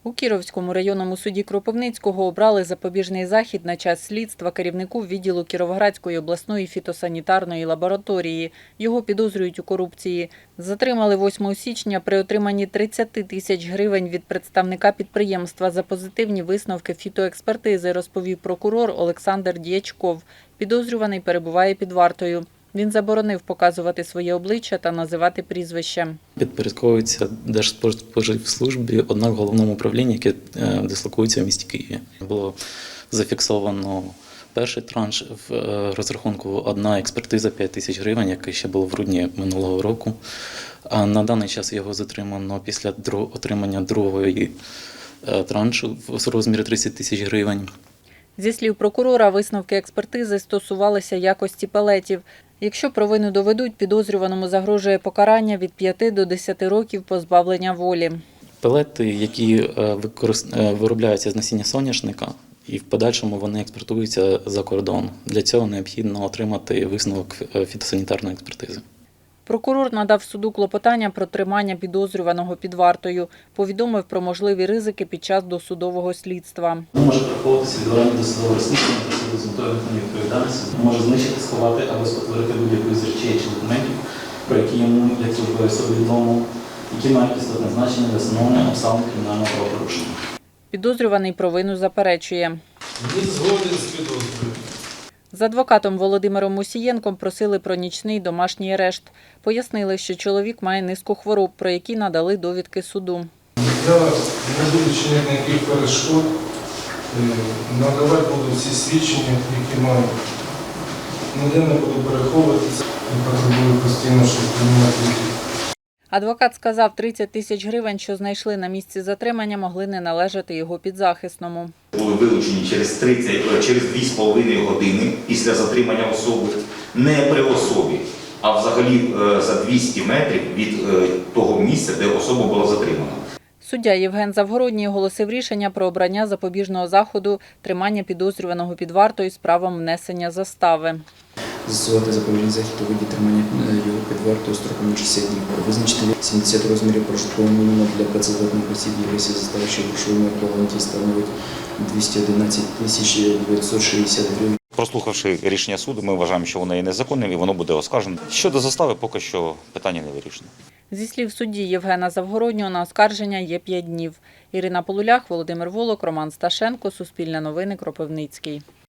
У Кіровському районному суді Кропивницького обрали запобіжний захід на час слідства керівнику відділу Кіровоградської обласної фітосанітарної лабораторії. Його підозрюють у корупції. Затримали 8 січня при отриманні 30 тисяч гривень від представника підприємства за позитивні висновки фітоекспертизи, розповів прокурор Олександр Дячков. Підозрюваний перебуває під вартою. Він заборонив показувати своє обличчя та називати прізвище. Підпорядковується Держспоживслужбі, однак в головному управлінні, яке дислокується в місті Києві. Було зафіксовано перший транш в розрахунку одна експертиза 5 тисяч гривень, яка ще була в грудні минулого року. А на даний час його затримано після отримання другої траншу в розмірі 30 тисяч гривень. Зі слів прокурора, висновки експертизи стосувалися якості пелетів. Якщо провину доведуть, підозрюваному загрожує покарання від 5 до 10 років позбавлення волі. Пелети, які виробляються з насіння соняшника, і в подальшому вони експортуються за кордон. Для цього необхідно отримати висновок фітосанітарної експертизи. Прокурор надав суду клопотання про тримання підозрюваного під вартою. Повідомив про можливі ризики під час досудового слідства. Може приховуватися відворення досудового розслідування та суду з метою виконання відповідальності. Може знищити, сховати або спотворити будь-яку з речей чи документів, про які йому, як службовій особі, відомо, які мають істотне значення для встановлення обставин кримінального правопорушення. Підозрюваний провину заперечує. Не згоден з підозрою. З адвокатом Володимиром Мусієнком просили про нічний домашній арешт. Пояснили, що чоловік має низку хвороб, про які надали довідки суду. Я не буду чинити ніяких перешкод, надавати буду всі свідчення, які маю. Ніде не буду переховуватися, я потребую постійно, щоб приймати їх. Адвокат сказав, 30 тисяч гривень, що знайшли на місці затримання, могли не належати його підзахисному. Були вилучені через 2,5 години після затримання особи, не при особі, а взагалі за 200 метрів від того місця, де особа була затримана. Суддя Євген Завгородній оголосив рішення про обрання запобіжного заходу тримання підозрюваного під вартою з правом внесення застави. Застосувати запобіжний захід у виді тримання його під вартою строком 60 днів. Визначити 70 розмірів прожиткового мінімуму для працездатних осіб єврейських застави, що грошовими еквіваленті становить 211 960 гривень. Прослухавши рішення суду, ми вважаємо, що воно є незаконним і воно буде оскаржено. Щодо застави, поки що питання не вирішено. Зі слів судді Євгена Завгороднього, на оскарження є 5 днів. Ірина Полулях, Володимир Волок, Роман Сташенко, Суспільне новини, Кропивницький.